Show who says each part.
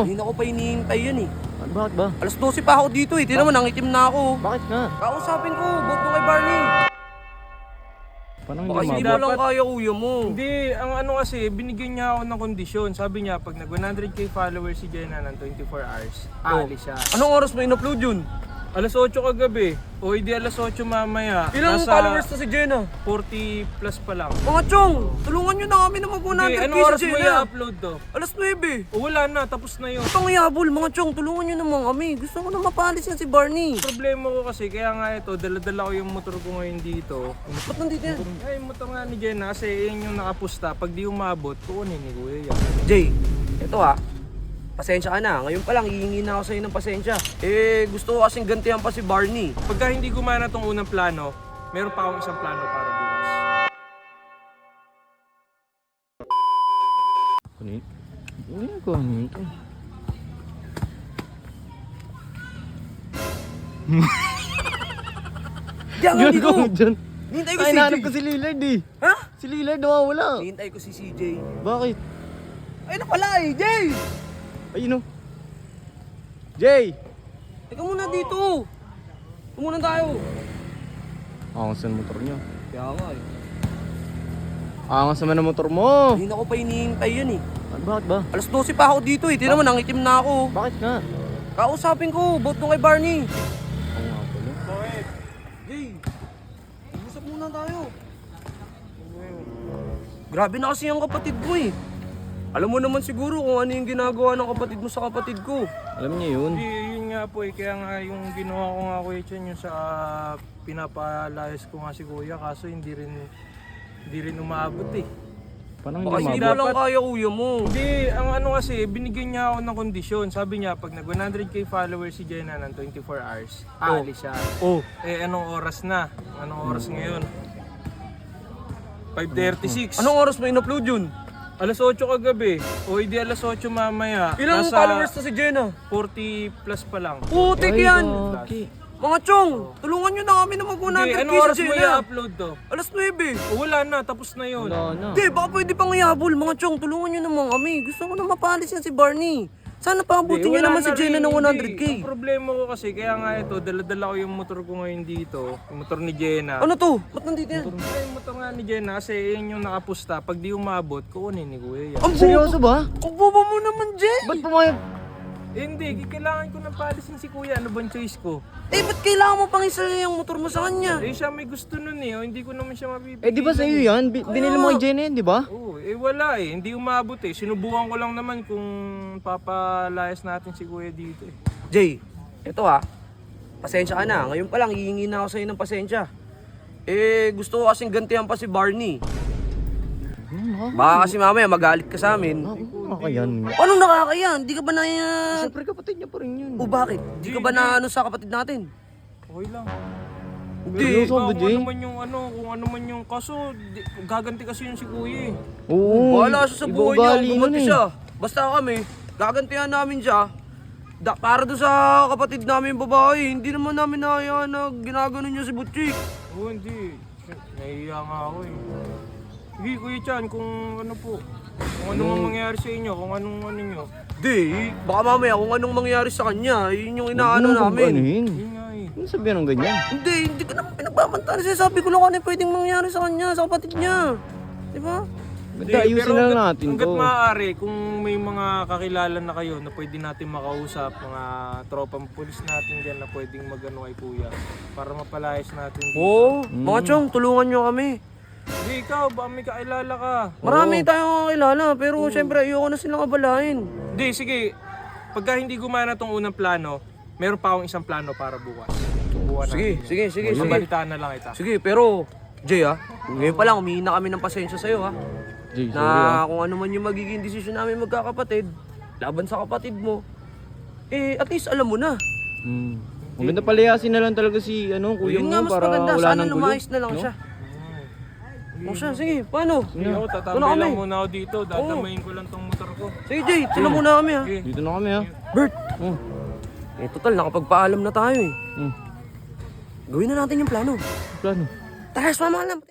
Speaker 1: Hindi ko pa hinihintay yan eh.
Speaker 2: Bakit ba?
Speaker 1: Alas 12 pa ako dito eh. Tignan mo, nangitim na ako.
Speaker 2: Bakit nga?
Speaker 1: Kausapin ko, vote mo kay Barney.
Speaker 2: Parang
Speaker 1: Baka
Speaker 2: hindi
Speaker 1: hindi
Speaker 2: mabot.
Speaker 1: mo lang kaya kuya mo.
Speaker 3: Hindi, ang ano kasi, binigyan niya ako ng kondisyon. Sabi niya, pag nag 100k followers si Jenna ng 24 hours, aalis siya.
Speaker 1: Anong oras mo in-upload yun?
Speaker 3: Alas 8 kagabi, o hindi alas 8 mamaya.
Speaker 1: Ilang
Speaker 3: Nasa
Speaker 1: followers na si Jenna?
Speaker 3: 40 plus pa lang.
Speaker 1: Mga chong, tulungan nyo na kami na mag 100k
Speaker 3: Hindi, anong
Speaker 1: si
Speaker 3: oras mo
Speaker 1: Jenna.
Speaker 3: i-upload to?
Speaker 1: Alas 9.
Speaker 3: O wala na, tapos na yun.
Speaker 1: Pangiyabol, mga chong, tulungan nyo naman kami. Gusto ko na mapalis yan si Barney.
Speaker 3: Problema ko kasi, kaya nga ito, dala-dala ko yung motor ko ngayon dito.
Speaker 1: Ba't nandito yan?
Speaker 3: Ay, yung motor nga ni Jenna, kasi yun yung nakapusta. Pag di umabot, kukunin ni Kuya yan.
Speaker 1: Jay, ito ha. Pasensya ka na. Ngayon pa lang, hihingi na ako sa'yo ng pasensya. Gusto ko kasing gantihan pa si Barney.
Speaker 3: Pagka hindi gumana tong unang plano, meron pa akong isang plano para bukas.
Speaker 2: Kunin. Kunin ko. Kunin ko.
Speaker 1: Diyan nga dito.
Speaker 2: Dyan.
Speaker 1: Hintay ko
Speaker 2: Ay,
Speaker 1: si
Speaker 2: nahanap
Speaker 1: CJ.
Speaker 2: ko si Lillard eh.
Speaker 1: Ha?
Speaker 2: Si Lillard nawawala.
Speaker 1: Hintay ko si CJ.
Speaker 2: Bakit?
Speaker 1: Ay na pala eh, Jay!
Speaker 2: Ayun o. Jay!
Speaker 1: Teka muna dito. Tumunan tayo.
Speaker 2: Angas ang motor niya.
Speaker 1: Kaya nga eh.
Speaker 2: Angas naman ang motor mo.
Speaker 1: Hindi ko pa hinihintay yan eh.
Speaker 2: Bakit ba?
Speaker 1: Alas 12 pa ako dito eh. Tignan mo, nangitim na ako.
Speaker 2: Bakit nga?
Speaker 1: Kausapin ko, vote mo kay Barney.
Speaker 2: Oo nga pala.
Speaker 3: Bakit?
Speaker 1: Jay, usap muna tayo. Grabe na kasi ang kapatid ko eh. Alam mo naman siguro kung ano yung ginagawa ng kapatid mo sa kapatid ko.
Speaker 2: Alam niya yun.
Speaker 3: Hindi, yun nga po eh. Kaya nga yung ginawa ko nga Kuya Chan, yung sa pinapalayas ko nga si Kuya, kaso hindi rin umaabot eh.
Speaker 2: Parang
Speaker 1: Baka
Speaker 2: hindi
Speaker 1: hindi
Speaker 2: mabot.
Speaker 1: mo lang kaya kuya mo.
Speaker 3: Hindi, ang ano kasi, binigyan niya ako ng kondisyon. Sabi niya, pag nag 100k followers si Jenna ng 24 hours, aalis siya.
Speaker 1: Oh,
Speaker 3: Anong oras na? Anong oras ngayon? 5:36.
Speaker 1: anong oras mo in-upload yun?
Speaker 3: Alas 8 kagabi, o hindi alas 8 mamaya.
Speaker 1: Ilang
Speaker 3: Nasa
Speaker 1: followers na si Jenna?
Speaker 3: 40 plus pa lang.
Speaker 1: Putik
Speaker 2: Ay,
Speaker 1: yan!
Speaker 2: okay.
Speaker 1: Mga chong, tulungan nyo na kami na mag 100k
Speaker 3: Hindi, anong
Speaker 1: si
Speaker 3: oras mo
Speaker 1: Jenna.
Speaker 3: i-upload to?
Speaker 1: Alas 9.
Speaker 3: O wala na, tapos na yun.
Speaker 2: Wala na.
Speaker 1: Hindi, baka pwede pang ihabol. Mga chong, tulungan nyo naman kami. Gusto ko na mapalis yan si Barney. Sana paabutin
Speaker 3: Hindi,
Speaker 1: nyo
Speaker 3: wala
Speaker 1: naman si
Speaker 3: na
Speaker 1: Jenna
Speaker 3: rin,
Speaker 1: ng
Speaker 3: hindi.
Speaker 1: 100k.
Speaker 3: Ang problema ko kasi, kaya nga ito, dala-dala ko yung motor ko ngayon dito. Yung motor ni Jenna.
Speaker 1: Ano to? Ba't nandito yan?
Speaker 3: Ay, yung motor nga ni Jenna, kasi yun yung nakapusta. Pag di umabot, kukunin ni Kuya yan.
Speaker 1: Ang
Speaker 2: Seryoso ba?
Speaker 1: Ang bobo mo naman, Jay!
Speaker 2: Ba't pumayag?
Speaker 3: Hindi, kailangan ko ng palisin si Kuya. Ano bang choice ko?
Speaker 1: Ba't kailangan mo pang isa yung motor mo sa kanya?
Speaker 3: Siya may gusto nun eh. O, hindi ko naman siya mapipili.
Speaker 2: Di ba sa'yo yan? Binili mo kay Jenna yan, di ba?
Speaker 3: Oo, wala eh. Hindi umabot eh. Sinubukan ko lang naman kung papalayas natin si Kuya dito eh.
Speaker 1: Jay, eto ha. Pasensya ka na. Ngayon pa lang, hihingi na ako sa'yo ng pasensya. Gusto ko kasing gantihan pa si Barney. Baka kasi mamaya magalit ka sa amin.
Speaker 2: Nakakayan.
Speaker 1: Anong nakakaya? Hindi ka ba na...
Speaker 2: Siyempre kapatid niya pa rin yun.
Speaker 1: O bakit? Hindi ka ba na ano sa kapatid natin?
Speaker 3: Okay lang.
Speaker 1: Hindi.
Speaker 2: Seryoso ba,
Speaker 3: Kung
Speaker 2: Jay?
Speaker 3: ano man yung kung ano man yung kaso, gaganti kasi yun si Kuya eh.
Speaker 2: Oo.
Speaker 1: Bahala siya sa
Speaker 2: iba
Speaker 1: buhay niya.
Speaker 2: ugali nun
Speaker 1: Gumanti
Speaker 2: eh.
Speaker 1: siya. Basta kami, gagantihan namin siya. Para doon sa kapatid namin babae, hindi naman namin nahayaan na ginagano niya si Butchik.
Speaker 3: Oo, hindi. Nahihiya nga ako eh. Sige Kuya Chan, kung ano po. Kung ano mang mangyari sa inyo, kung anong ano nyo.
Speaker 1: Di, baka mamaya kung anong mangyari sa kanya, yun yung inaano namin.
Speaker 2: Anuhin?
Speaker 3: Yun nga eh.
Speaker 2: Ano sabihan ng ganyan?
Speaker 1: Hindi ko naman pinagbabantaan. Sabi ko lang kung ano yung pwedeng mangyari sa kanya, sa kapatid niya. Di ba?
Speaker 2: Basta ayusin na lang natin
Speaker 3: hanggat
Speaker 2: to.
Speaker 3: maaari, kung may mga kakilala na kayo na pwede natin makausap, mga tropang pulis natin dyan na pwedeng magano kay Kuya para mapalayas natin dito.
Speaker 1: Oo, mga chong, tulungan nyo kami.
Speaker 3: Hindi, ikaw, ba may kakilala ka?
Speaker 1: Marami tayong kakilala, pero syempre ayoko na silang abalahin.
Speaker 3: Hindi, sige. Pagka hindi gumana tong unang plano, meron pa akong isang plano para bukas. Buwan
Speaker 1: Sige.
Speaker 3: Mabalitaan na lang kita.
Speaker 1: Sige, pero Jay ngayon pa lang humihingi na kami ng pasensya sa'yo ha.
Speaker 2: Jay, sorry
Speaker 1: Na kung ano man yung magiging desisyon namin magkakapatid, laban sa kapatid mo, at least alam mo na.
Speaker 2: Maganda palayasin na lang talaga si kuya
Speaker 1: Yun
Speaker 2: mo
Speaker 1: nga mas
Speaker 2: para
Speaker 1: maganda,
Speaker 2: wala
Speaker 1: sana
Speaker 2: nang gulo.
Speaker 1: lumayas na lang siya. O siya, sige, paano?
Speaker 3: Sige, ako,
Speaker 1: Ito na
Speaker 3: tatambay
Speaker 1: kami.
Speaker 3: lang muna ako dito. Dadamayin ko lang tong motor ko.
Speaker 1: Sige Jay, sila muna kami ha.
Speaker 3: Sige.
Speaker 2: Dito na kami ha.
Speaker 1: Bert,
Speaker 2: Oh.
Speaker 1: total nakapagpaalam na tayo eh.
Speaker 2: Hmm.
Speaker 1: Gawin na natin yung plano.
Speaker 2: Plano.
Speaker 1: Tara, sumama ka lang.